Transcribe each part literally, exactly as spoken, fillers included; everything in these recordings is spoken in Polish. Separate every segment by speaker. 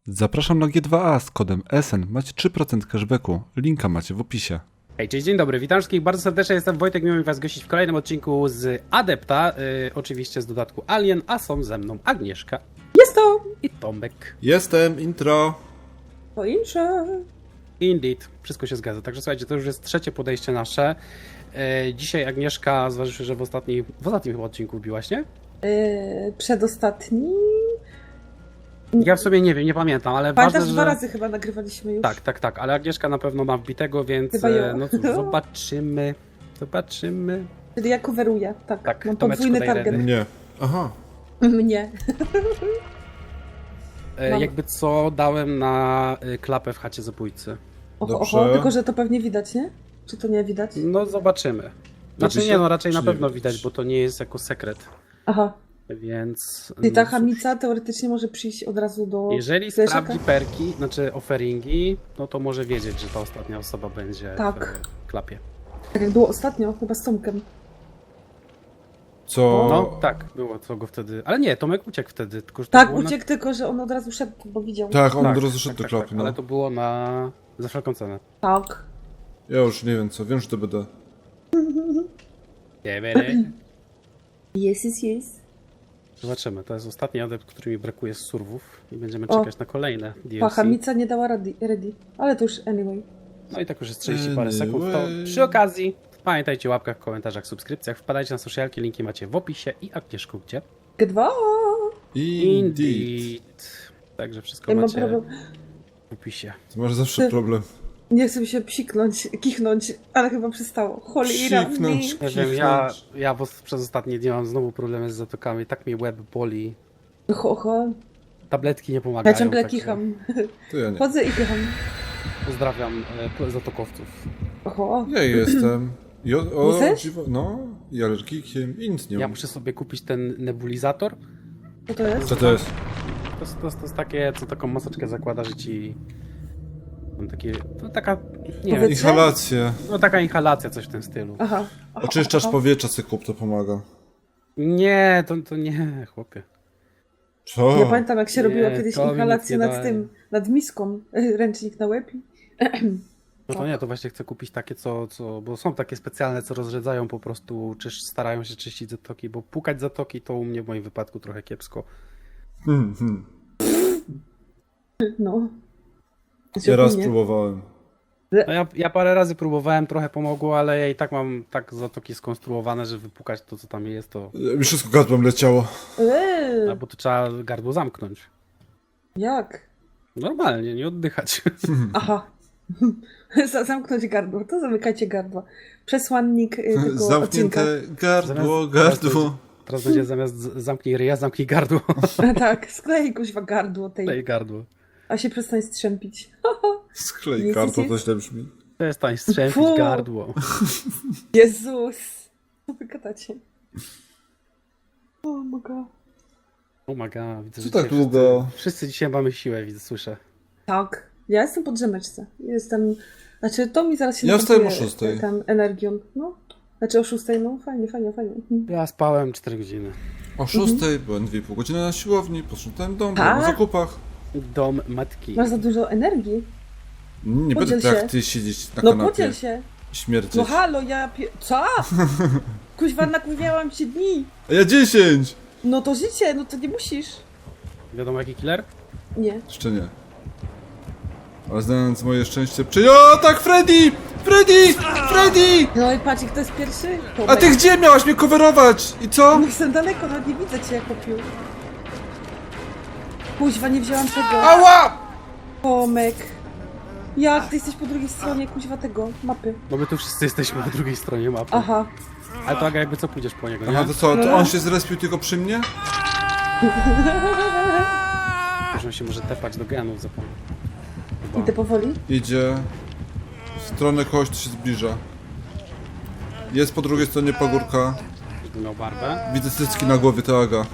Speaker 1: Zapraszam na G dwa A z kodem S N. Macie trzy procent cashbacku. Linka macie w opisie.
Speaker 2: Hej, cześć, dzień dobry, witam wszystkich bardzo serdecznie, jestem Wojtek, miło mi was gościć w kolejnym odcinku z Adepta, yy, oczywiście z dodatku Alien, a są ze mną Agnieszka.
Speaker 3: Jest to!
Speaker 2: I Tomek.
Speaker 1: Jestem, intro.
Speaker 3: To insze.
Speaker 2: Indeed, wszystko się zgadza, także słuchajcie, to już jest trzecie podejście nasze. Yy, dzisiaj Agnieszka, zważywszy, że w ostatnim, w ostatnim chyba odcinku biłaś, nie?
Speaker 3: Yy, przedostatni.
Speaker 2: Ja w sobie nie wiem, nie pamiętam, ale
Speaker 3: Pamiętasz,
Speaker 2: ważne,
Speaker 3: dwa
Speaker 2: że...
Speaker 3: razy chyba nagrywaliśmy już.
Speaker 2: Tak, tak, tak, ale Agnieszka na pewno ma wbitego, więc
Speaker 3: Chyba ją.
Speaker 2: e, no cóż, zobaczymy, zobaczymy.
Speaker 3: Czyli ja coveruję, tak.
Speaker 2: Tak,
Speaker 3: Mam
Speaker 2: Tomeczku,
Speaker 3: podwójny
Speaker 2: daj
Speaker 3: target.
Speaker 2: redy.
Speaker 1: Nie. Aha.
Speaker 3: Mnie.
Speaker 2: E,
Speaker 3: Mam.
Speaker 2: jakby co, dałem na y, klapę w chacie zabójcy.
Speaker 3: Oho,
Speaker 1: Dobrze.
Speaker 3: oho, tylko że to pewnie widać, nie? Czy to nie widać?
Speaker 2: No zobaczymy. Znaczy
Speaker 1: Robi
Speaker 2: nie,
Speaker 1: się,
Speaker 2: no raczej
Speaker 1: czy
Speaker 2: na
Speaker 1: nie
Speaker 2: pewno
Speaker 1: widać?
Speaker 2: widać, bo to nie jest jako sekret,
Speaker 3: Aha.
Speaker 2: więc...
Speaker 3: Czyli ta
Speaker 2: no cóż.
Speaker 3: chamica teoretycznie może przyjść od razu do...
Speaker 2: Jeżeli
Speaker 3: Wiesz,
Speaker 2: sprawdzi
Speaker 3: jaka?
Speaker 2: perki, znaczy offeringi, no to może wiedzieć, że ta ostatnia osoba będzie
Speaker 3: Tak.
Speaker 2: w klapie.
Speaker 3: Tak jak było ostatnio, chyba z Tomkiem.
Speaker 1: Co?
Speaker 2: No tak, było co go wtedy... Ale nie, Tomek uciekł wtedy, tylko że to
Speaker 3: Tak,
Speaker 2: było
Speaker 3: uciekł, tylko że on od razu szedł, bo widział.
Speaker 1: Tak, on
Speaker 2: na...
Speaker 1: od razu szedł do
Speaker 2: tak,
Speaker 1: klapy,
Speaker 2: tak,
Speaker 1: no.
Speaker 2: ale to było na... za wszelką cenę.
Speaker 3: Tak.
Speaker 1: Ja już nie wiem co, wiem, że to będę.
Speaker 2: Nie, nie, nie.
Speaker 3: Jest, jest, jest.
Speaker 2: Zobaczymy, to jest ostatni adept, który mi brakuje z surwów i będziemy
Speaker 3: O.
Speaker 2: czekać na kolejne D
Speaker 3: Pa,
Speaker 2: L C.
Speaker 3: chamica nie dała ready, ready. Ale to już anyway.
Speaker 2: No i tak już jest trzydzieści parę sekund, to
Speaker 1: Anyway.
Speaker 2: przy okazji pamiętajcie o łapkach, komentarzach, subskrypcjach, wpadajcie na socialki, linki macie w opisie i Agnieszku gdzie?
Speaker 3: G dwa!
Speaker 2: Indeed. Także wszystko
Speaker 3: Ja mam
Speaker 2: macie
Speaker 3: problem.
Speaker 2: w opisie.
Speaker 1: To masz zawsze problem.
Speaker 3: Nie chcę mi się psiknąć, kichnąć, ale chyba przestało. Cholera mi.
Speaker 1: Psiknąć.
Speaker 2: Nie wiem, ja, ja bo przez ostatnie dni mam znowu problemy z zatokami, tak mi łeb boli.
Speaker 3: Ho, ho.
Speaker 2: Tabletki nie pomagają.
Speaker 3: Ja ciągle
Speaker 2: także
Speaker 3: kicham.
Speaker 1: To ja nie.
Speaker 3: Chodzę i kicham.
Speaker 2: Pozdrawiam e, zatokowców.
Speaker 3: Oho.
Speaker 1: Ja jestem. I o, o,
Speaker 3: Jesteś?
Speaker 1: dziwo, no, i alergikiem, i nic nie
Speaker 2: Ja
Speaker 1: mam.
Speaker 2: muszę sobie kupić ten nebulizator.
Speaker 3: Co to jest?
Speaker 1: Co to jest?
Speaker 2: To jest, to jest, to jest takie, co taką maseczkę zakłada, że ci... Mam takie, to taka, nie wiem,
Speaker 3: Powiedz-
Speaker 1: Inhalacje.
Speaker 2: no taka inhalacja, coś w tym stylu.
Speaker 3: Aha. Aha,
Speaker 1: Oczyszczasz
Speaker 3: aha.
Speaker 1: powietrza, sobie kup, to pomaga.
Speaker 2: Nie, to, to nie, chłopie.
Speaker 1: Co?
Speaker 3: Ja pamiętam, jak się
Speaker 2: Nie,
Speaker 3: robiło kiedyś
Speaker 2: to mi
Speaker 3: inhalację
Speaker 2: nic nie
Speaker 3: nad
Speaker 2: daje.
Speaker 3: tym, nad miską. Ręcznik na łeb. i-
Speaker 2: No to nie, to właśnie chcę kupić takie, co, co, bo są takie specjalne, co rozrzedzają po prostu, czy starają się czyścić zatoki, bo pukać zatoki to u mnie w moim wypadku trochę kiepsko.
Speaker 1: Hmm, hmm.
Speaker 3: No.
Speaker 1: Ja raz
Speaker 3: Nie.
Speaker 1: próbowałem.
Speaker 2: No ja, ja parę razy próbowałem, trochę pomogło, ale ja i tak mam tak zatoki skonstruowane, że wypukać to, co tam jest, to...
Speaker 1: Mi wszystko gardłem leciało.
Speaker 3: Eee,
Speaker 2: Albo to trzeba gardło zamknąć.
Speaker 3: jak?
Speaker 2: Normalnie, nie oddychać.
Speaker 3: Aha. Za- Zamknąć gardło. To zamykajcie gardła. Przesłannik y, tego odcinka.
Speaker 1: Zamknięte gardło,
Speaker 2: Zamiast-
Speaker 1: gardło.
Speaker 2: Teraz będzie zamiast z- zamknij ryja, zamknij gardło.
Speaker 3: Tak, sklej kuźwa gardło tej.
Speaker 2: Daj gardło.
Speaker 3: A się przestań strzępić.
Speaker 1: Sklej
Speaker 3: Jest,
Speaker 1: gardło,
Speaker 3: jest,
Speaker 1: to źle brzmi.
Speaker 2: Przestań strzępić
Speaker 3: Fu.
Speaker 2: gardło.
Speaker 3: Jezus! Co wy gadacie? O moga.
Speaker 2: Oh my god, widzę,
Speaker 1: Co
Speaker 2: że
Speaker 1: tak
Speaker 2: dzisiaj
Speaker 1: długo?
Speaker 2: Wszyscy, wszyscy dzisiaj mamy siłę, widzę, słyszę.
Speaker 3: Tak. Ja jestem po drzemeczce. Jestem... Znaczy, to mi zaraz się
Speaker 1: Ja wstałem o
Speaker 3: napakuje,
Speaker 1: szóstej.
Speaker 3: Tam energią. No. Znaczy o szóstej, no fajnie, fajnie, fajnie. Mhm.
Speaker 2: Ja spałem cztery godziny.
Speaker 1: O szóstej byłem dwie i pół godziny na siłowni, posprzątałem dom, byłem
Speaker 3: Tak?
Speaker 1: na zakupach.
Speaker 2: Dom matki.
Speaker 3: Masz za dużo energii.
Speaker 1: Nie
Speaker 3: Podziel
Speaker 1: będę tak jak
Speaker 3: się.
Speaker 1: ty siedzieć na
Speaker 3: No
Speaker 1: kanapie
Speaker 3: podziel się.
Speaker 1: i śmierdzieć.
Speaker 3: No halo, ja pie... Co? Kuźwa, nakurwiałam się dni.
Speaker 1: A ja dziesięć!
Speaker 3: No to życie, no to nie musisz.
Speaker 2: Wiadomo jaki killer?
Speaker 3: Nie.
Speaker 1: Jeszcze nie. Ale znając moje szczęście przy... O tak, Freddy! Freddy! Freddy!
Speaker 3: No i patrz, kto jest pierwszy? Tomek.
Speaker 1: A ty gdzie miałaś mnie coverować? I co?
Speaker 3: No jestem daleko, nawet nie widzę cię, Kopiu. Kuźwa, nie wzięłam tego.
Speaker 1: Ała!
Speaker 3: Tomek. Jak? Ty jesteś po drugiej stronie, kuźwa, tego, mapy.
Speaker 2: No my tu wszyscy jesteśmy po drugiej stronie mapy.
Speaker 3: Aha.
Speaker 2: Ale to Aga, jakby co pójdziesz po niego, nie?
Speaker 1: Aha, to co, to on się zrespił tylko przy mnie?
Speaker 2: Że się może tepać do genów zapomnę.
Speaker 3: Idę powoli.
Speaker 1: Idzie w stronę kogoś, kto się zbliża. Jest po drugiej stronie pagórka.
Speaker 2: Żeby miał barbę.
Speaker 1: Widzę cycki na głowie, to Aga.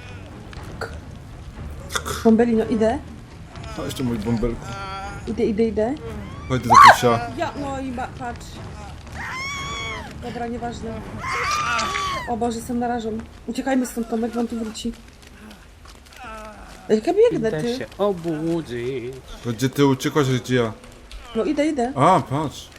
Speaker 3: Bombelino, idę.
Speaker 1: A jeszcze mój bąbelku.
Speaker 3: Idę, idę, idę.
Speaker 1: Chodź do Kusia.
Speaker 3: Ja, no i ba, patrz. Dobra, nieważne. O Boże, jestem narażą. Uciekajmy stąd, Tomek, bo on tu wróci. Jak ja biegnę,
Speaker 2: Idę
Speaker 3: ty.
Speaker 2: się obudzić.
Speaker 1: To gdzie ty uciekłaś, a gdzie ja?
Speaker 3: No idę, idę.
Speaker 1: A, patrz.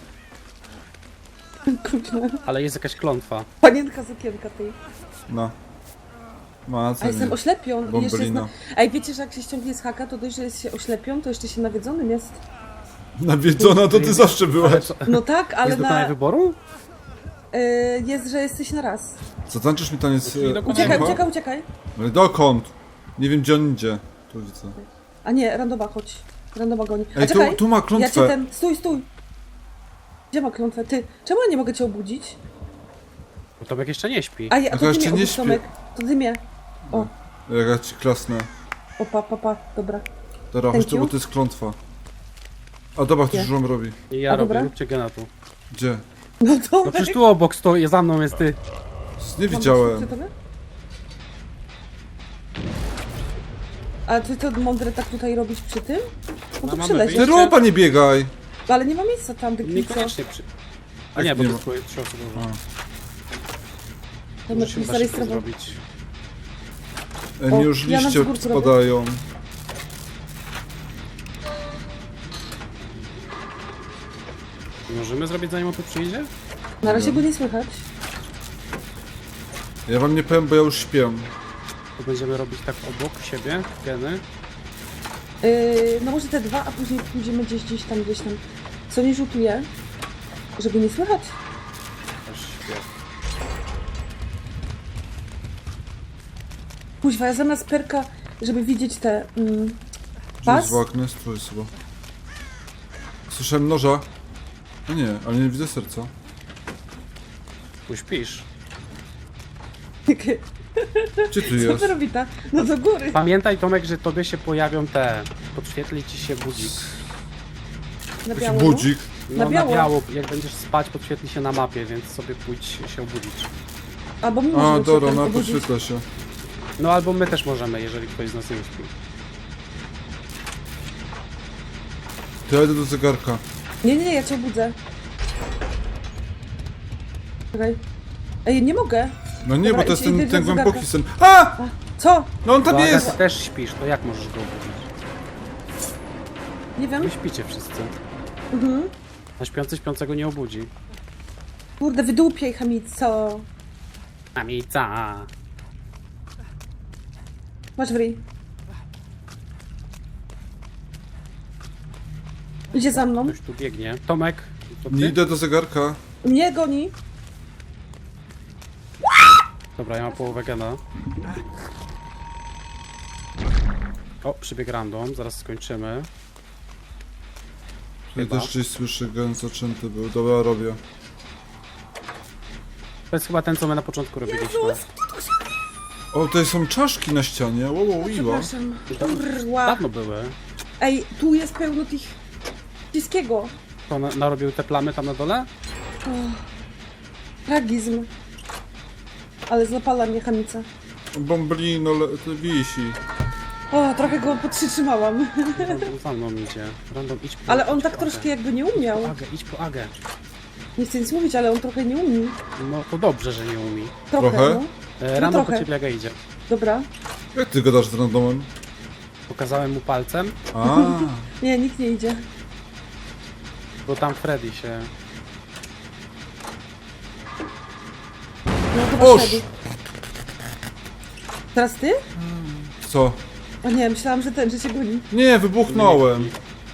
Speaker 3: Kurczę.
Speaker 2: Ale jest jakaś klątwa.
Speaker 3: Panienka z okienka tej.
Speaker 1: No. Ma co
Speaker 3: A jestem
Speaker 1: nie.
Speaker 3: oślepion. I jeszcze jest na...
Speaker 1: Bombolino.
Speaker 3: Ej, wiecie, że jak się ściągnie z haka, to dość, że jest się oślepion, to jeszcze się nawiedzonym jest.
Speaker 1: Nawiedzona to ty zawsze
Speaker 2: Ale
Speaker 1: byłaś.
Speaker 2: co,
Speaker 3: No tak, ale
Speaker 2: jest dokonanie
Speaker 3: na...
Speaker 2: wyboru?
Speaker 3: Y, jest, że jesteś na raz.
Speaker 1: Co tańczysz mi taniec?
Speaker 2: Nie
Speaker 1: e,
Speaker 2: dokonałem.
Speaker 3: Uciekaj,
Speaker 1: słucha?
Speaker 3: uciekaj, uciekaj.
Speaker 1: Ale dokąd? Nie wiem gdzie on idzie. Tu widzę.
Speaker 3: A nie, randoma, chodź. Randoma goni. A
Speaker 1: Ej, tu,
Speaker 3: czekaj,
Speaker 1: tu ma
Speaker 3: ja cię
Speaker 1: klątwę.
Speaker 3: ten... Stój, stój. Gdzie ma klątwę? Ty, czemu ja nie mogę cię obudzić?
Speaker 2: Bo Tomek jeszcze nie śpi.
Speaker 3: A, ja, a
Speaker 1: No
Speaker 3: to
Speaker 1: to
Speaker 3: ty
Speaker 1: jeszcze
Speaker 3: mnie
Speaker 1: nie
Speaker 3: obudź,
Speaker 1: śpię.
Speaker 3: Tomek. To ty mnie. O,
Speaker 1: Jak ja ci klasnę.
Speaker 3: o, pa, pa, pa. Dobra.
Speaker 1: Dobra,
Speaker 3: Thank
Speaker 1: chodź tu,
Speaker 3: you.
Speaker 1: bo to jest klątwa. A dobra,
Speaker 3: Gdzie?
Speaker 1: ktoś żum robi.
Speaker 2: I ja
Speaker 3: A,
Speaker 2: robię,
Speaker 3: dobra.
Speaker 2: róbcie gena tu.
Speaker 1: Gdzie?
Speaker 3: No to...
Speaker 2: No przecież tu obok stoi, za mną jest ty.
Speaker 1: Nie widziałem.
Speaker 3: A ty to mądre tak tutaj robić przy tym? No to
Speaker 2: mamy
Speaker 3: przyleć.
Speaker 1: Ty ropa nie biegaj!
Speaker 3: Ale nie ma miejsca tam, dykico.
Speaker 2: Niekoniecznie przy... A
Speaker 1: Jak
Speaker 2: nie, bo
Speaker 1: nie
Speaker 2: to
Speaker 1: ma?
Speaker 2: twoje trzyosobowe.
Speaker 3: To
Speaker 2: Muszę
Speaker 3: mi
Speaker 2: chyba szybko
Speaker 3: zarejestrował.
Speaker 2: zrobić.
Speaker 1: E,
Speaker 3: O,
Speaker 1: mi już
Speaker 3: ja na
Speaker 1: liście
Speaker 3: wzgórku robię.
Speaker 1: spadają.
Speaker 2: Możemy zrobić zanim on tu przyjdzie?
Speaker 3: Na razie go nie słychać.
Speaker 1: Ja wam nie powiem, bo ja już śpię.
Speaker 2: To będziemy robić tak obok siebie, geny.
Speaker 3: Yy, no może te dwa, a później pójdziemy gdzieś, gdzieś tam, gdzieś tam. Co nie rzutuje? Żeby nie słychać.
Speaker 2: Też śpię.
Speaker 3: Kuźwa, ja zamiast perka, żeby widzieć te... Mm,
Speaker 1: Gdzie
Speaker 3: pas?
Speaker 1: jest Wagnes? Tu jest chyba. Słyszałem noża. No nie, ale nie widzę serca.
Speaker 2: Tu śpisz.
Speaker 1: Gdzie tu
Speaker 3: Co
Speaker 1: jest?
Speaker 3: to robi ta? No do góry.
Speaker 2: Pamiętaj Tomek, że tobie się pojawią te... Podświetli ci się budzik.
Speaker 3: Na
Speaker 2: no.
Speaker 1: Jakiś
Speaker 3: biało.
Speaker 1: budzik.
Speaker 2: No
Speaker 3: Na
Speaker 2: na
Speaker 3: biało.
Speaker 2: biało. Jak będziesz spać, podświetli się na mapie, więc sobie pójdź się obudzić.
Speaker 3: Albo my
Speaker 1: A,
Speaker 3: możemy cię
Speaker 1: dobra,
Speaker 3: tam
Speaker 1: no
Speaker 3: obudzić.
Speaker 1: podświetla się.
Speaker 2: No albo my też możemy, jeżeli ktoś z nas nie śpi.
Speaker 1: To ja idę do zegarka.
Speaker 3: Nie, nie, nie, ja cię obudzę. Czekaj. Ej, nie mogę.
Speaker 1: No nie,
Speaker 3: Dobra,
Speaker 1: bo to jest
Speaker 3: idź- idę
Speaker 1: ten,
Speaker 3: do
Speaker 1: ten
Speaker 3: zegarka.
Speaker 1: głęboki sen. A!
Speaker 3: Co?
Speaker 1: No on tam
Speaker 2: Bo Aga,
Speaker 1: jest!
Speaker 2: ty też śpisz, to jak możesz go obudzić?
Speaker 3: Nie wiem.
Speaker 2: Wy śpicie wszyscy.
Speaker 3: Mhm.
Speaker 2: A śpiący śpiącego nie obudzi.
Speaker 3: Kurde, wydupiej, chamico.
Speaker 2: Amica.
Speaker 3: Masz w ryj. Idzie za mną.
Speaker 2: Ktoś tu biegnie. Tomek, to ty?
Speaker 1: Nie idę do zegarka.
Speaker 3: Mnie goni.
Speaker 2: Dobra, ja mam połowę gena. O, przybieg random, zaraz skończymy.
Speaker 1: Ja
Speaker 2: Chyba.
Speaker 1: też gdzieś słyszę, gen zaczęty był. Dobra, robię.
Speaker 2: To jest chyba ten, co my na początku robiliśmy.
Speaker 1: O, tutaj są czaszki na ścianie. Wow, wow, iła.
Speaker 3: Przepraszam.
Speaker 2: To
Speaker 3: Kurwa.
Speaker 2: dawno były.
Speaker 3: Ej, tu jest pełno tych... Wszystkiego.
Speaker 2: To na, narobił te plamy tam na dole?
Speaker 3: Tragizm. Ale zapala mnie chamica.
Speaker 1: Bomblino le- to wisi.
Speaker 3: O, trochę go podtrzymałam.
Speaker 2: Random za mną idzie. Random, idź po
Speaker 3: Ale on
Speaker 2: idź
Speaker 3: tak
Speaker 2: po
Speaker 3: troszkę
Speaker 2: Agę.
Speaker 3: jakby nie umiał.
Speaker 2: Po Agę, idź po Agę.
Speaker 3: Nie chcę nic mówić, ale on trochę nie umie.
Speaker 2: No to dobrze, że nie umi.
Speaker 3: Trochę,
Speaker 1: Trochę?
Speaker 3: no.
Speaker 2: E, random po
Speaker 3: trochę.
Speaker 2: ciebie Aga idzie.
Speaker 3: Dobra.
Speaker 1: Jak ty gadasz z randomem?
Speaker 2: Pokazałem mu palcem,
Speaker 1: A,
Speaker 3: Nie, nikt nie idzie.
Speaker 2: bo tam Freddy się...
Speaker 3: No chyba
Speaker 1: Oż!
Speaker 3: szedł. Teraz ty?
Speaker 1: co?
Speaker 3: O nie, myślałam, że ten, że cię goni.
Speaker 1: Nie, wybuchnąłem.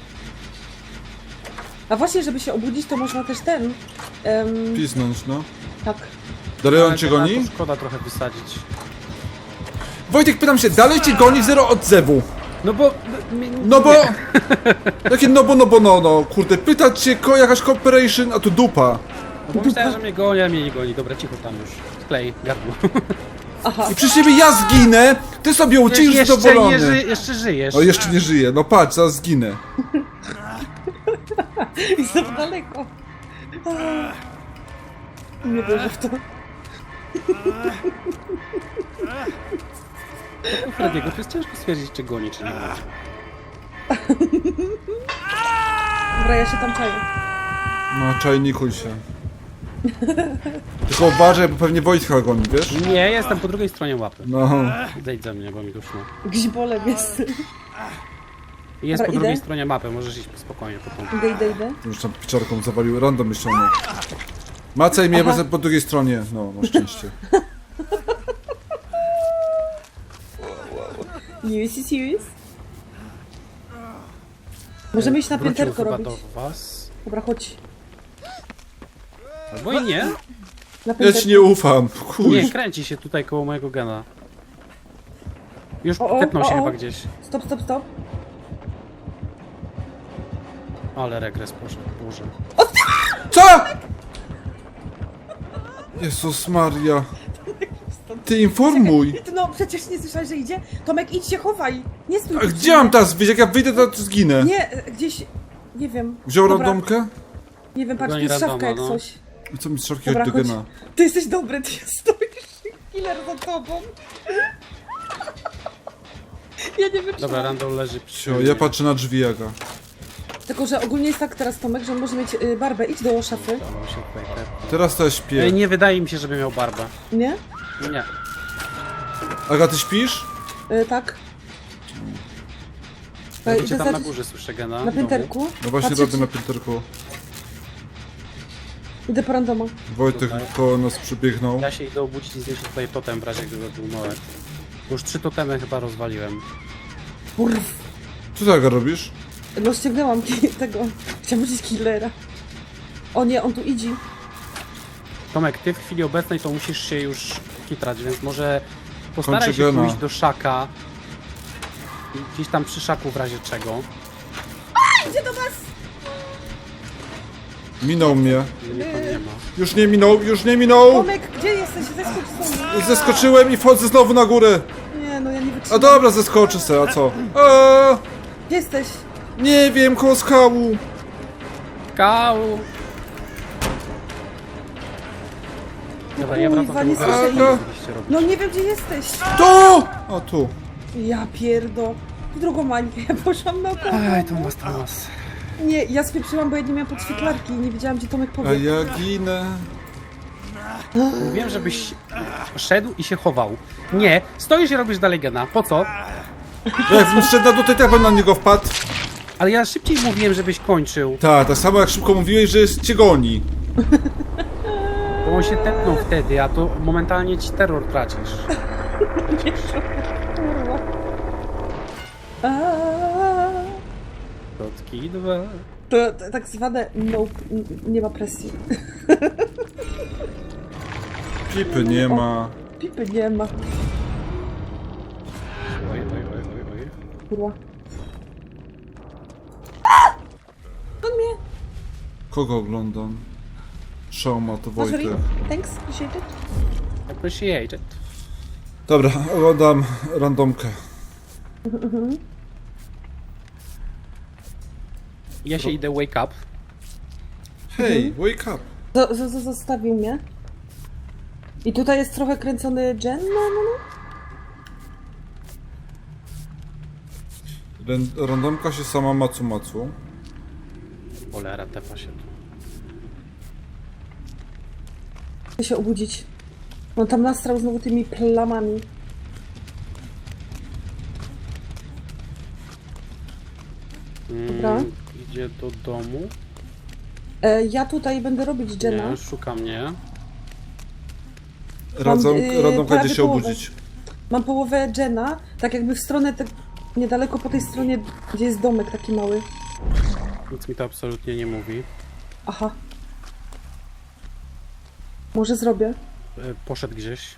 Speaker 3: A właśnie, żeby się obudzić, to można też ten... Um,
Speaker 1: Pisnąć, no.
Speaker 3: tak.
Speaker 1: Dalej on
Speaker 2: Ale
Speaker 1: cię
Speaker 2: gena
Speaker 1: goni?
Speaker 2: to szkoda trochę wysadzić.
Speaker 1: Wojtek, pytam się, dalej cię goni zero odzewu.
Speaker 2: No bo...
Speaker 1: No bo... Jakie no bo, no bo, no, no. Kurde, pytać cię, ko, jakaś cooperation, a tu dupa.
Speaker 2: No bo myślałem, że mnie goni, a mnie nie goni. Dobra, cicho tam już. Klej, gardło.
Speaker 3: Aha.
Speaker 1: I przy ciebie ja zginę, ty sobie ucisz
Speaker 2: jeszcze,
Speaker 1: zadowolony.
Speaker 2: nie ży, jeszcze żyjesz.
Speaker 1: O, jeszcze nie żyję. No patrz, zaraz zginę.
Speaker 3: Jestem daleko. Nie wierzę w to.
Speaker 2: U Frediego to jest ciężko stwierdzić, czy goni, czy nie goni.
Speaker 3: Dobra, ja się tam czaję.
Speaker 1: No, czajnikuj się. Tylko uważaj, bo pewnie Wojtka goni, wiesz?
Speaker 2: Nie, jestem po drugiej stronie łapy.
Speaker 1: No.
Speaker 2: Zejdź ze mnie, bo mi duszno.
Speaker 3: Gzibolem jest.
Speaker 2: Jest
Speaker 3: Dobra,
Speaker 2: po drugiej
Speaker 3: idę.
Speaker 2: stronie mapy, możesz iść spokojnie potem.
Speaker 3: Idę, idę, idę.
Speaker 1: Już tam piczarką zawalił, random mnie ściągnął. Macaj mnie, bo
Speaker 3: Aha.
Speaker 1: jestem po drugiej stronie. No, masz szczęście.
Speaker 3: Serious, serious. Możemy iść na
Speaker 2: Wrócił
Speaker 3: pięterko
Speaker 2: chyba
Speaker 3: robić.
Speaker 2: do was.
Speaker 3: Dobra, chodź.
Speaker 2: Albo i nie.
Speaker 3: Na
Speaker 1: Ja
Speaker 3: pięterko.
Speaker 1: ci nie ufam,
Speaker 2: Nie,
Speaker 1: chuj.
Speaker 2: kręci się tutaj koło mojego gena. Już
Speaker 3: O, o,
Speaker 2: tepnął się
Speaker 3: o, o.
Speaker 2: chyba gdzieś.
Speaker 3: Stop, stop, stop.
Speaker 2: Ale regres poszedł, Boże.
Speaker 1: Co? Jezus Maria. Ty informuj.
Speaker 3: No przecież nie słyszałeś, że idzie? Tomek, idź się chowaj. Nie stój.
Speaker 1: A
Speaker 3: tu
Speaker 1: gdzie mam teraz wyjść? Jak ja wyjdę, to zginę.
Speaker 3: Nie, e, gdzieś... Nie wiem.
Speaker 1: Wziął
Speaker 3: Dobra,
Speaker 1: randomkę?
Speaker 3: Nie wiem, patrz, tu
Speaker 2: Goni
Speaker 3: jest szafka
Speaker 2: randoma,
Speaker 3: jak
Speaker 2: no.
Speaker 3: coś.
Speaker 1: I co mi strzałki
Speaker 3: Dobra,
Speaker 1: chodź do
Speaker 3: chodź.
Speaker 1: gena?
Speaker 3: Ty jesteś dobry, ty stoisz. Killer za tobą. Ja nie wytrzymam.
Speaker 2: Dobra, Randall leży przy
Speaker 1: Cio, ja patrzę na drzwi jaka.
Speaker 3: Tylko, że ogólnie jest tak teraz, Tomek, że on może mieć y, barbę. Idź do szafy.
Speaker 2: Tam się tutaj tepnął.
Speaker 1: Teraz to ja
Speaker 2: Ej,
Speaker 1: śpię.
Speaker 2: nie wydaje mi się, żeby miał barbę.
Speaker 3: Nie?
Speaker 2: Nie.
Speaker 1: Aga, ty śpisz?
Speaker 3: Y, tak.
Speaker 2: Ja
Speaker 3: Y,
Speaker 2: cię
Speaker 3: idę
Speaker 2: tam na
Speaker 3: zacząć-
Speaker 2: górze słyszę gena.
Speaker 3: Na
Speaker 2: w domu.
Speaker 3: pięterku.
Speaker 1: No właśnie
Speaker 3: Patrzę,
Speaker 1: robię na pięterku.
Speaker 3: Idę po randoma.
Speaker 1: Wojtek
Speaker 2: Tutaj.
Speaker 1: koło nas przybiegnął.
Speaker 2: Ja się idę obudzić i znieść tutaj totem w razie gdyby był małek. Już trzy totemy chyba rozwaliłem.
Speaker 3: Kurw.
Speaker 1: Co ty Aga robisz?
Speaker 3: No ściągnęłam ki- tego. Chciałam powiedzieć killera. O nie, on tu idzie.
Speaker 2: Tomek, ty w chwili obecnej to musisz się już kitrać, więc może postaraj
Speaker 1: Kończę
Speaker 2: się
Speaker 1: gena.
Speaker 2: pójść do szaka. Gdzieś tam przy szaku w razie czego.
Speaker 3: Idzie do was!
Speaker 1: Minął mnie.
Speaker 2: Mnie tam nie ma.
Speaker 1: Już nie minął, już nie minął!
Speaker 3: Tomek, gdzie jesteś? Zeskocz stąd.
Speaker 1: Zeskoczyłem i wchodzę znowu na górę.
Speaker 3: Nie, no ja nie
Speaker 1: A
Speaker 3: wytrzymam.
Speaker 1: dobra, zeskoczę se, a co? A,
Speaker 3: Gdzie jesteś?
Speaker 1: nie wiem, koło skału.
Speaker 2: Kału! Dobra, ja wracam
Speaker 3: Kurwa,
Speaker 2: do
Speaker 3: nie
Speaker 2: tego,
Speaker 3: słyszę
Speaker 2: co
Speaker 1: ich.
Speaker 2: mieliście robić.
Speaker 3: No nie wiem, gdzie jesteś.
Speaker 1: Tu! A tu.
Speaker 3: Ja pierdo. Drugą mańkę, ja poszłam na około.
Speaker 2: Aj, Tomas, Tomas.
Speaker 3: Nie, ja spieprzyłam, bo ja nie miałam podświetlarki i nie wiedziałam, gdzie Tomek
Speaker 1: A
Speaker 3: powie.
Speaker 1: ja ginę.
Speaker 2: Mówiłem, żebyś szedł i się chował. Nie, stoisz i robisz dalej gena. Po co?
Speaker 1: Jak szedł na tutaj, tak bym na niego wpadł.
Speaker 2: Ale ja szybciej mówiłem, żebyś kończył.
Speaker 1: Tak, tak samo jak szybko mówiłeś, że jest cię goni.
Speaker 2: Bo on się tepnął wtedy, a to momentalnie ci terror tracisz.
Speaker 3: Kurwa. Aaaa.
Speaker 2: Kotki dwa.
Speaker 3: To, to tak zwane nope, n- nie ma presji.
Speaker 1: Pipy nie ma.
Speaker 3: Pipy nie ma.
Speaker 2: Oj, oj, oj, oj, oj.
Speaker 3: Kurwa. On mnie.
Speaker 1: Kogo oglądam? Szauma, to
Speaker 3: Masz
Speaker 1: Wojtek.
Speaker 3: ring? Thanks, appreciate it.
Speaker 2: Appreciate it.
Speaker 1: Dobra, oglądam randomkę.
Speaker 2: Ja się idę wake up.
Speaker 1: Hej, wake up.
Speaker 3: Z- z- z- zostawił mnie. I tutaj jest trochę kręcony Jen, no, no, no.
Speaker 1: Ren- Randomka się sama macu macu.
Speaker 2: Cholera, tepa się tu.
Speaker 3: Chcę się obudzić. On tam nastrał znowu tymi plamami. Dobra.
Speaker 2: Mm, idzie do domu.
Speaker 3: E, ja tutaj będę robić Jena.
Speaker 2: Nie, szuka mnie.
Speaker 1: Radzą,
Speaker 3: yy,
Speaker 1: randomka
Speaker 3: prawie
Speaker 1: idzie się
Speaker 3: połowę.
Speaker 1: obudzić.
Speaker 3: Mam połowę Jena, tak jakby w stronę, te, niedaleko po tej stronie, gdzie jest domek taki mały.
Speaker 2: Nic mi to absolutnie nie mówi.
Speaker 3: Aha. Może zrobię.
Speaker 2: E, Poszedł gdzieś.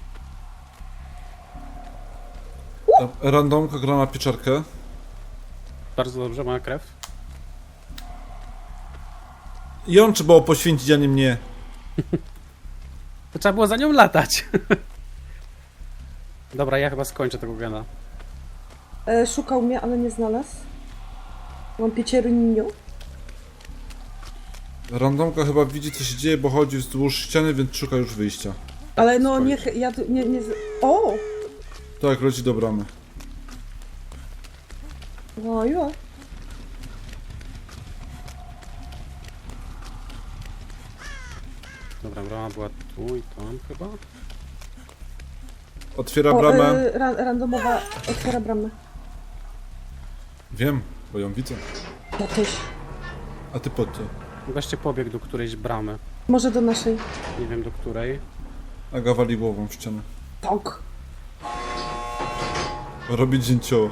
Speaker 1: Randomka gra na pieczarkę.
Speaker 2: Bardzo dobrze, ma krew.
Speaker 1: I on trzeba było poświęcić, a nie mnie.
Speaker 2: To trzeba było za nią latać. Dobra, ja chyba skończę tego gena.
Speaker 3: E, szukał mnie, ale nie znalazł. Mam pieciernią.
Speaker 1: Randomka chyba widzi, co się dzieje, bo chodzi wzdłuż ściany, więc szuka już wyjścia.
Speaker 3: Ale no nie, ja tu nie, nie... z- O!
Speaker 1: Tak, leci do bramy.
Speaker 3: No jo.
Speaker 2: Dobra, brama była tu i tam chyba.
Speaker 1: Otwiera
Speaker 3: O,
Speaker 1: bramę.
Speaker 3: y, ra, randomowa otwiera bramę.
Speaker 1: Wiem, bo ją widzę.
Speaker 3: Ja też.
Speaker 1: A ty po co?
Speaker 2: Goście pobiegł do którejś bramy.
Speaker 3: Może do naszej.
Speaker 2: Nie wiem do której.
Speaker 1: Aga wali głową w ścianę.
Speaker 3: Tak.
Speaker 1: Robi dzięcioło.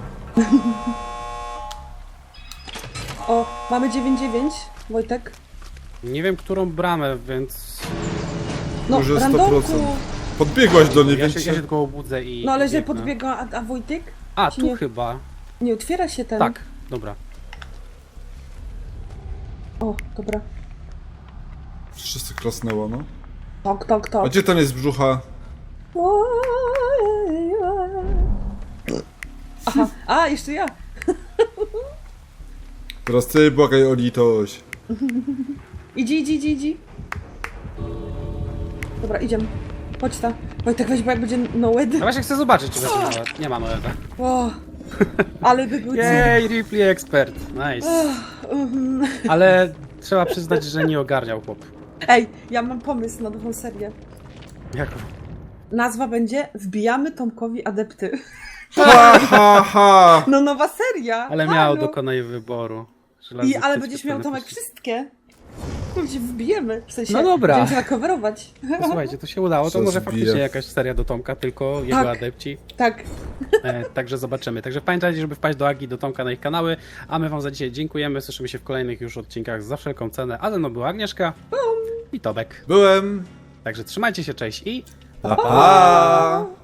Speaker 3: O, mamy dziewięć dziewięć, Wojtek.
Speaker 2: Nie wiem którą bramę, więc...
Speaker 3: No,
Speaker 1: Może sto
Speaker 3: randomku.
Speaker 1: procent. Podbiegłaś do niej,
Speaker 2: Ja
Speaker 1: więc
Speaker 2: się, ja się tylko obudzę i...
Speaker 3: No ale
Speaker 2: i
Speaker 3: że
Speaker 2: biegnę.
Speaker 3: podbiegła, a, a Wojtek?
Speaker 2: A,
Speaker 3: Czy
Speaker 2: tu
Speaker 3: nie?
Speaker 2: chyba.
Speaker 3: Nie otwiera się ten.
Speaker 2: Tak, dobra.
Speaker 3: O, dobra.
Speaker 1: wszyscy klasnęło, no.
Speaker 3: Tak, tak,
Speaker 1: A
Speaker 3: tak.
Speaker 1: gdzie ten jest brzucha?
Speaker 3: Aha, a, jeszcze ja.
Speaker 1: Teraz ty błagaj o litość.
Speaker 3: Idzi, idzi, idzi, idzi. Dobra, idziemy. Chodź ta. Wojtek, weź, bo jak będzie Noed.
Speaker 2: Ja właśnie chcę zobaczyć, czy będzie nawet. Nie ma Noeda.
Speaker 3: O, ale by był cud.
Speaker 2: Jej, Ripley Expert. Nice.
Speaker 3: Mhm.
Speaker 2: Ale trzeba przyznać, że nie ogarniał chłop.
Speaker 3: Ej, ja mam pomysł na nową serię.
Speaker 2: Jak...
Speaker 3: Nazwa będzie Wbijamy Tomkowi adepty.
Speaker 1: Ha, ha, ha!
Speaker 3: No nowa seria.
Speaker 2: Ale miał,
Speaker 3: Halo.
Speaker 2: dokonaj wyboru. Żelazny
Speaker 3: I, ale
Speaker 2: typ
Speaker 3: będziesz miał Tomek
Speaker 2: telepatyczny.
Speaker 3: wszystkie. No się wbijemy. W sensie,
Speaker 2: No dobra.
Speaker 3: będziemy się nacoverować.
Speaker 2: No, słuchajcie, to się udało, to
Speaker 1: Co
Speaker 2: może
Speaker 1: zbije.
Speaker 2: faktycznie jakaś seria do Tomka, tylko jego
Speaker 3: Tak.
Speaker 2: adepci.
Speaker 3: Tak.
Speaker 2: E, także zobaczymy. Także pamiętajcie, żeby wpaść do Agi, do Tomka na ich kanały, a my wam za dzisiaj dziękujemy. Słyszymy się w kolejnych już odcinkach za wszelką cenę, a ze mną była Agnieszka i Tomek.
Speaker 1: Byłem.
Speaker 2: Także trzymajcie się, cześć i...
Speaker 1: Pa, pa.